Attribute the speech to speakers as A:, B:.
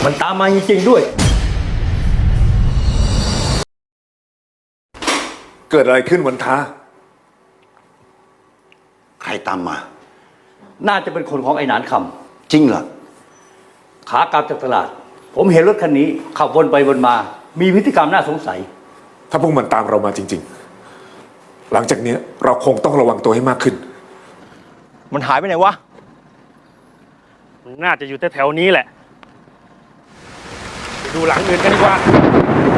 A: มันตามมาจริงๆด้วย
B: เกิดอะไรขึ้นวันท้า
C: ใครตามมา
A: น่าจะเป็นคนของไอ้หนานค
C: จริงเหรอ
A: ำขากลับจากตลาด ผมเห็นรถคันนี้ขับวนไปวนมา มีพฤติกรรมน่าสงสัย
B: ถ้าพวกมันตามเรามาจริงๆ หลังจากนี้เราคงต้องระวังตัวให้มากขึ้น
D: มันหายไปไหนวะ
E: มันน่าจะอยู่แถวๆนี้แหละไปดูหลังอื่นกันดีกว่า